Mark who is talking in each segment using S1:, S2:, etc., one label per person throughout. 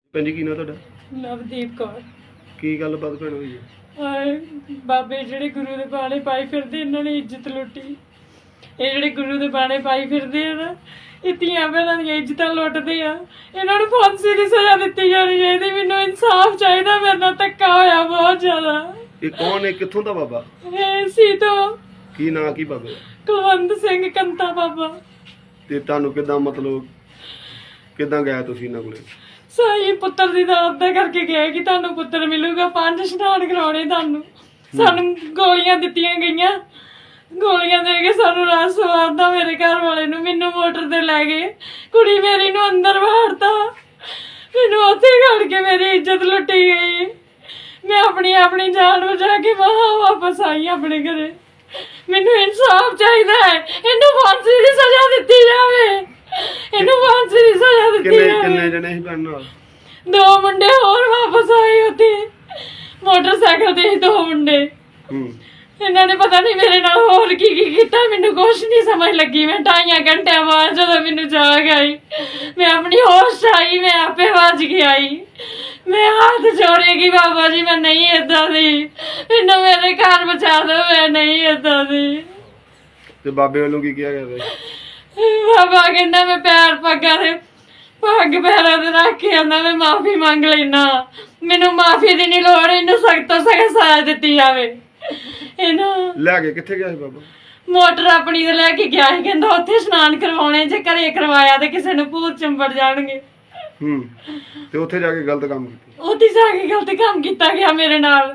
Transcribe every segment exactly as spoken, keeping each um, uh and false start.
S1: ਭੈਣ ਜੀ ਕੀ ਨਾਂ ਤੁਹਾਡਾ?
S2: ਨਵਦੀਪ ਕੌਰ।
S1: ਕੀ ਗੱਲਬਾਤ ਭੈਣ ਹੋਈ ਹੈ?
S2: ਹਾਏ ਬਾਬੇ ਜਿਹੜੇ ਗੁਰੂ ਦੇ ਬਾਣੇ ਪਾਈ ਫਿਰਦੇ, ਇਹਨਾਂ ਨੇ ਇੱਜ਼ਤ ਲੁੱਟੀ। ਇਹ ਜਿਹੜੇ ਗੁਰੂ ਦੇ ਬਾਣੇ ਪਾਈ ਫਿਰਦੇ ਆ ਨਾ, ਇਹ ਧੀਆਂ ਭੈਣਾਂ ਦੀਆਂ ਇੱਜ਼ਤਾਂ ਲੁੱਟਦੇ ਆ। ਇਹਨਾਂ ਨੂੰ ਫਾਂਸੀ ਦੀ ਸਜ਼ਾ ਦਿੱਤੀ ਜਾਣੀ ਚਾਹੀਦੀ। ਮੈਨੂੰ ਇਨਸਾਫ ਚਾਹੀਦਾ, ਮੇਰੇ ਨਾਲ ਧੱਕਾ ਹੋਇਆ ਬਹੁਤ ਜ਼ਿਆਦਾ।
S1: ਇਹ ਕੌਣ ਹੈ, ਕਿੱਥੋਂ ਦਾ ਬਾਬਾ?
S2: ਇਹ ਸੀ ਤੋਂ
S1: ਕੀ ਨਾਂ ਕੀ ਬਾਬੇ?
S2: ਕੁਲਵੰਤ ਸਿੰਘ ਕੰਤਾ ਬਾਬਾ।
S1: ਤੇ ਤੁਹਾਨੂੰ ਕਿੱਦਾਂ, ਮਤਲਬ ਕਿੱਦਾਂ ਗਿਆ ਤੁਸੀਂ ਇਹਨਾਂ ਕੋਲੇ?
S2: ਸਹੀ ਪੁੱਤਰ ਦੀ ਦਾਤ ਦਾ ਕਰਕੇ ਗਏ ਕਿ ਤੁਹਾਨੂੰ ਪੁੱਤਰ ਮਿਲੂਗਾ, ਪੰਜ ਇਸ਼ਨਾਨ ਕਰਾਉਣੇ ਤੁਹਾਨੂੰ। ਸਾਨੂੰ ਗੋਲੀਆਂ ਦਿੱਤੀਆਂ ਗਈਆਂ, ਗੋਲੀਆਂ ਦੇ ਕੇ ਸਾਨੂੰ ਰਾਤ ਸਵਾਰਦਾ ਮੇਰੇ ਘਰ ਵਾਲੇ ਨੂੰ। ਮੈਨੂੰ ਮੋਟਰ ਤੇ ਲੈ ਗਏ, ਕੁੜੀ ਮੇਰੀ ਨੂੰ ਅੰਦਰ ਵਾੜਤਾ, ਮੈਨੂੰ ਉੱਥੇ ਖੜ ਕੇ ਮੇਰੀ ਇੱਜ਼ਤ ਲੁੱਟੀ ਗਈ। ਮੈਂ ਆਪਣੀ ਆਪਣੀ ਜਾਨ ਬਚਾ ਕੇ ਬਾਹਰ ਵਾਪਸ ਆਈ ਆਪਣੇ ਘਰੇ। ਮੈਨੂੰ ਇਨਸਾਫ ਚਾਹੀਦਾ ਹੈ, ਇਹਨੂੰ ਫਾਂਸੀ ਦੀ ਸਜ਼ਾ ਦਿੱਤੀ ਜਾਵੇ, ਇਹਨੂੰ ਫਾਂਸੀ ਦੀ ਸਜ਼ਾ ਦਿੱਤੀ
S1: ਕਿੰਨੇ
S2: ਜਾਵੇ।
S1: ਕਿੰਨੇ ਜਣੇ ਸੀ ਭੈਣ ਨਾਲ?
S2: ਦੋ ਮੁੰਡੇ ਹੋਰ ਵਾਪਸ ਆਏ ਉੱਥੇ ਮੋਟਰਸਾਈਕਲ ਤੇ, ਦੋ ਮੁੰਡੇ।
S1: ਹੂੰ
S2: ਇਹਨਾਂ ਨੇ ਪਤਾ ਨਹੀਂ ਮੇਰੇ ਨਾਲ ਹੋਰ ਕੀ ਕੀ ਕੀਤਾ, ਮੈਨੂੰ ਕੁਛ ਨਹੀਂ ਸਮਝ ਲੱਗੀ। ਮੈਂ ਢਾਈਆਂ ਘੰਟਿਆਂ ਬਾਅਦ ਜਦੋਂ ਮੈਨੂੰ ਜਾਗ ਆਈ, ਮੈਂ ਆਪਣੀ ਹੋਸ਼ ਆਈ, ਮੈਂ ਆਪੇ ਵੱਜ ਕੇ ਆਈ। ਮੈਂ ਹੱਥ ਜੋੜੇਗੀ ਬਾਬਾ ਜੀ, ਮੈਂ ਨਹੀਂ ਏਦਾਂ ਦੀ, ਮੈਨੂੰ ਮੇਰੇ ਘਰ ਬਚਾ ਦਿਓ, ਮੈਂ ਨਹੀਂ ਏਦਾਂ ਦੀ।
S1: ਤੇ ਬਾਬੇ ਵੱਲੋਂ ਕੀ ਕਿਹਾ ਗਿਆ?
S2: ਬਾਬਾ ਕਹਿੰਦਾ ਮੈਂ ਪੈਰ ਪੱਗਾਂ ਦੇ ਪੱਗ ਪੈਰਾਂ ਤੇ ਰੱਖ ਕੇ ਆਂਦਾ, ਮੈਂ ਮਾਫੀ ਮੰਗ ਲੈਣਾ, ਮੈਨੂੰ ਮਾਫੀ ਦੀ ਨਹੀਂ ਲੋੜ, ਇਹਨੂੰ ਸਖਤ ਤੋਂ ਸਖਤ ਸਜ਼ਾ ਦਿੱਤੀ ਜਾਵੇ। ਇਹਨੂੰ
S1: ਲੈ ਕੇ ਕਿੱਥੇ ਗਿਆ ਸੀ ਬਾਬਾ?
S2: ਮੋਟਰ ਆਪਣੀ ਤੇ ਲੈ ਕੇ ਗਿਆ ਸੀ, ਕਹਿੰਦਾ ਉੱਥੇ ਇਸ਼ਨਾਨ ਕਰਵਾਉਣੇ, ਜੇ ਘਰੇ ਕਰਵਾਇਆ ਤੇ ਕਿਸੇ ਨੂੰ ਭੂਤ ਚੰਬੜ ਜਾਣਗੇ।
S1: ਹੂੰ ਤੇ ਉੱਥੇ ਜਾ ਕੇ ਗਲਤ ਕੰਮ ਕੀਤਾ?
S2: ਉੱਥੇ ਜਾ ਕੇ ਗਲਤ ਕੰਮ ਕੀਤਾ ਗਿਆ ਮੇਰੇ ਨਾਲ।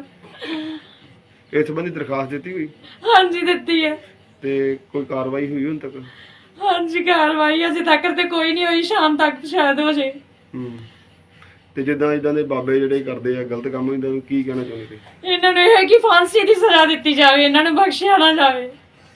S1: ਇਸ ਸੰਬੰਧੀ ਦਰਖਾਸਤ ਦਿੱਤੀ ਹੋਈ?
S2: ਹਾਂਜੀ ਦਿੱਤੀ ਹੈ।
S1: ਤੇ ਕੋਈ ਕਾਰਵਾਈ ਹੋਈ ਹੁਣ ਤੱਕ?
S2: ਹਾਂਜੀ ਕਾਰਵਾਈ ਅਜੇ ਤੱਕ ਤੇ ਕੋਈ ਨਹੀਂ ਹੋਈ, ਸ਼ਾਮ ਤੱਕ ਸ਼ਾਇਦ ਹੋ ਜੇ।
S1: ਹੂੰ ਤੇ ਜਿੱਦਾਂ ਇਦਾਂ ਦੇ ਬਾਬੇ ਜਿਹੜੇ ਕਰਦੇ ਆ ਗਲਤ ਕੰਮ, ਇਹਨਾਂ ਨੂੰ ਕੀ ਕਹਿਣਾ ਚਾਹੁੰਦੇ ਤੁਸੀਂ?
S2: ਇਹਨਾਂ ਨੂੰ ਇਹ ਹੈ ਕਿ ਫਾਂਸੀ ਦੀ ਸਜ਼ਾ ਦਿੱਤੀ ਜਾਵੇ, ਇਹਨਾਂ ਨੂੰ ਬਖਸ਼ਿਆ ਨਾ ਜਾਵੇ।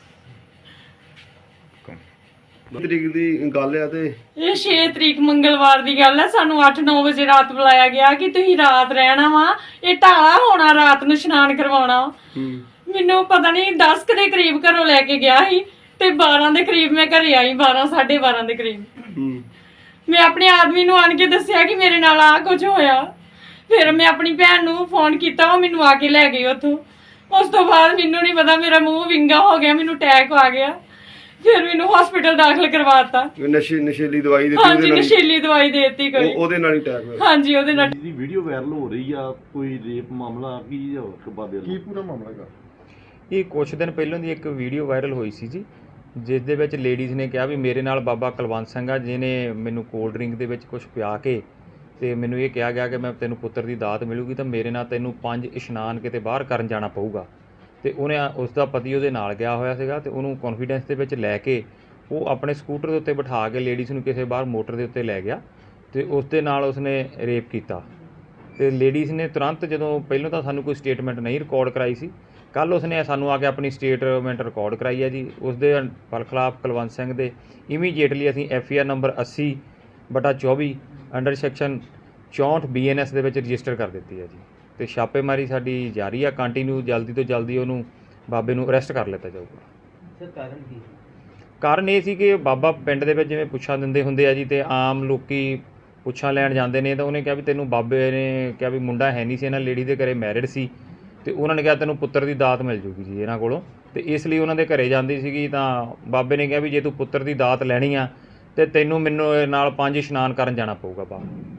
S1: ਤਰੀਕ ਦੀ ਗੱਲ ਆ ਤੇ
S2: ਇਹ ਛੇ ਤਰੀਕ ਮੰਗਲਵਾਰ ਦੀ ਗੱਲ ਹੈ। ਸਾਨੂੰ ਅੱਠ ਨੌ ਵਜੇ ਰਾਤ ਬੁਲਾਇਆ ਗਿਆ ਕਿ ਤੁਸੀਂ ਰਾਤ ਰਹਿਣਾ ਵਾ, ਇਹ ਢਾਲਾ ਹੋਣਾ, ਰਾਤ ਨੂੰ ਇਸ਼ਨਾਨ ਕਰਵਾਉਣਾ।
S1: ਹੂੰ
S2: ਮੈਨੂੰ ਪਤਾ ਨਹੀਂ ਦਸ ਕੁ ਦੇ ਕਰੀਬ ਘਰੋਂ ਲੈ ਕੇ ਗਿਆ ਸੀ ਤੇ ਬਾਰਾਂ ਦੇ ਕਰੀਬ ਮੈਂ ਘਰੇ ਆਈ, ਬਾਰਾਂ ਸਾਢੇ ਬਾਰਾਂ ਦੇ ਕਰੀਬ।
S1: ਹੂੰ
S2: ਮੈਂ ਆਪਣੇ ਆਦਮੀ ਨੂੰ ਆਣ ਕੇ ਦੱਸਿਆ ਕਿ ਮੇਰੇ ਨਾਲ ਆ ਕੁਝ ਹੋਇਆ। ਫਿਰ ਮੈਂ ਆਪਣੀ ਭੈਣ ਨੂੰ ਫੋਨ ਕੀਤਾ, ਉਹ ਮੈਨੂੰ ਆ ਕੇ ਲੈ ਗਈ ਉੱਥੋਂ। ਉਸ ਤੋਂ ਬਾਅਦ ਮੈਨੂੰ ਨਹੀਂ ਪਤਾ, ਮੇਰਾ ਮੂੰਹ ਵਿੰਗਾ ਹੋ ਗਿਆ, ਮੈਨੂੰ ਅਟੈਕ ਆ ਗਿਆ। ਫਿਰ ਮੈਨੂੰ ਹਸਪੀਟਲ ਦਾਖਲ ਕਰਵਾਤਾ।
S1: ਨਸ਼ੇ ਨਸ਼ੀਲੀ ਦਵਾਈ ਦਿੱਤੀ?
S2: ਹਾਂਜੀ ਨਸ਼ੀਲੀ ਦਵਾਈ ਦੇ ਦਿੱਤੀ ਕੋਈ।
S1: ਉਹਦੇ ਨਾਲ ਹੀ ਅਟੈਕ ਹੋਇਆ?
S2: ਹਾਂਜੀ ਉਹਦੇ ਨਾਲ।
S3: ਦੀ ਵੀਡੀਓ ਵਾਇਰਲ ਹੋ ਰਹੀ ਆ, ਕੋਈ ਰੇਪ ਮਾਮਲਾ ਕੀ ਆ ਬਾਬੇ
S1: ਕੀ ਪੂਰਾ ਮਾਮਲਾ ਹੈਗਾ?
S4: ਇਹ ਕੁਛ ਦਿਨ ਪਹਿਲਾਂ ਦੀ ਇੱਕ ਵੀਡੀਓ ਵਾਇਰਲ ਹੋਈ ਸੀ ਜੀ, ਜਿਸ ਦੇ ਵਿੱਚ ਲੇਡੀਜ਼ ਨੇ ਕਿਹਾ ਵੀ ਮੇਰੇ ਨਾਲ ਬਾਬਾ ਕੁਲਵੰਤ ਸਿੰਘ ਆ, ਜਿਹਨੇ ਮੈਨੂੰ ਕੋਲਡ ਡਰਿੰਕ ਦੇ ਵਿੱਚ ਕੁਝ ਪਿਆ ਕੇ ਤੇ ਮੈਨੂੰ ਇਹ ਕਿਹਾ ਗਿਆ ਕਿ ਮੈਂ ਤੈਨੂੰ ਪੁੱਤਰ ਦੀ ਦਾਤ ਮਿਲੂਗੀ ਤਾਂ ਮੇਰੇ ਨਾਲ ਤੈਨੂੰ ਪੰਜ ਇਸ਼ਨਾਨ ਕਿਤੇ ਬਾਹਰ ਕਰਨ ਜਾਣਾ ਪਊਗਾ। ਤੇ ਉਹਨੇ ਉਸ ਦਾ ਪਤੀ ਉਹਦੇ ਨਾਲ ਗਿਆ ਹੋਇਆ ਸੀਗਾ ਤੇ ਉਹਨੂੰ ਕੌਨਫੀਡੈਂਸ ਦੇ ਵਿੱਚ ਲੈ ਕੇ ਉਹ ਆਪਣੇ ਸਕੂਟਰ ਦੇ ਉੱਤੇ ਬਿਠਾ ਕੇ ਲੇਡੀਜ਼ ਨੂੰ ਕਿਸੇ ਬਾਹਰ ਮੋਟਰ ਦੇ ਉੱਤੇ ਲੈ ਗਿਆ ਤੇ ਉਸ ਦੇ ਨਾਲ ਉਸਨੇ ਰੇਪ ਕੀਤਾ। ਤੇ ਲੇਡੀਜ਼ ਨੇ ਤੁਰੰਤ, ਜਦੋਂ ਪਹਿਲਾਂ ਤਾਂ ਸਾਨੂੰ ਕੋਈ ਸਟੇਟਮੈਂਟ ਨਹੀਂ ਰਿਕਾਰਡ ਕਰਾਈ ਸੀ, ਕੱਲ੍ਹ ਉਸਨੇ ਸਾਨੂੰ ਆ ਕੇ ਆਪਣੀ ਸਟੇਟਮੈਂਟ ਰਿਕਾਰਡ ਕਰਾਈ ਹੈ ਜੀ। ਉਸ ਦੇ ਖਿਲਾਫ ਕੁਲਵੰਤ ਸਿੰਘ ਦੇ ਇਮੀਡੀਏਟਲੀ ਅਸੀਂ ਐਫ ਆਈ ਆਰ ਨੰਬਰ ਅੱਸੀ ਬਟਾ ਚੌਵੀ ਅੰਡਰ ਸੈਕਸ਼ਨ ਚੌਂਹਠ ਬੀ ਐਨ ਐਸ ਦੇ ਵਿੱਚ ਰਜਿਸਟਰ ਕਰ ਦਿੱਤੀ ਹੈ ਜੀ। ਤੇ ਛਾਪੇਮਾਰੀ ਸਾਡੀ ਜਾਰੀ ਆ ਕੰਟੀਨਿਊ, ਜਲਦੀ ਤੋਂ ਜਲਦੀ ਉਹਨੂੰ ਬਾਬੇ ਨੂੰ ਅਰੈਸਟ ਕਰ ਲਿੱਤਾ ਜਾਊਗਾ।
S5: ਸਰ ਕਾਰਨ ਕੀ?
S4: ਕਾਰਨ ਇਹ ਸੀ ਕਿ ਬਾਬਾ ਪਿੰਡ ਦੇ ਵਿੱਚ ਜਿਵੇਂ ਪੁੱਛਾਂ ਦਿੰਦੇ ਹੁੰਦੇ ਆ ਜੀ, ਤੇ ਆਮ ਲੋਕੀ ਪੁੱਛਾਂ ਲੈਣ ਜਾਂਦੇ ਨੇ, ਤਾਂ ਉਹਨੇ ਕਿਹਾ ਵੀ ਤੈਨੂੰ, ਬਾਬੇ ਨੇ ਕਿਹਾ ਵੀ ਮੁੰਡਾ ਹੈ ਨਹੀਂ ਸੀ ਇਹਨਾਂ ਲੇਡੀ ਦੇ ਘਰੇ, ਮੈਰਿਡ ਸੀ, ਤੇ ਉਹਨਾਂ ਨੇ ਕਿਹਾ ਤੈਨੂੰ ਪੁੱਤਰ ਦੀ ਦਾਤ ਮਿਲ ਜੂਗੀ ਜੀ ਇਹਨਾਂ ਕੋਲੋਂ। ਤੇ ਇਸ ਲਈ ਉਹਨਾਂ ਦੇ ਘਰੇ ਜਾਂਦੀ ਸੀਗੀ, ਤਾਂ ਬਾਬੇ ਨੇ ਕਿਹਾ ਵੀ ਜੇ ਤੂੰ ਪੁੱਤਰ ਦੀ ਦਾਤ ਲੈਣੀ ਆ ਤੇ ਤੈਨੂੰ ਮੈਨੂੰ ਨਾਲ ਪੰਜ ਇਸ਼ਨਾਨ ਕਰਨ ਜਾਣਾ ਪਊਗਾ ਬਾਹਰ।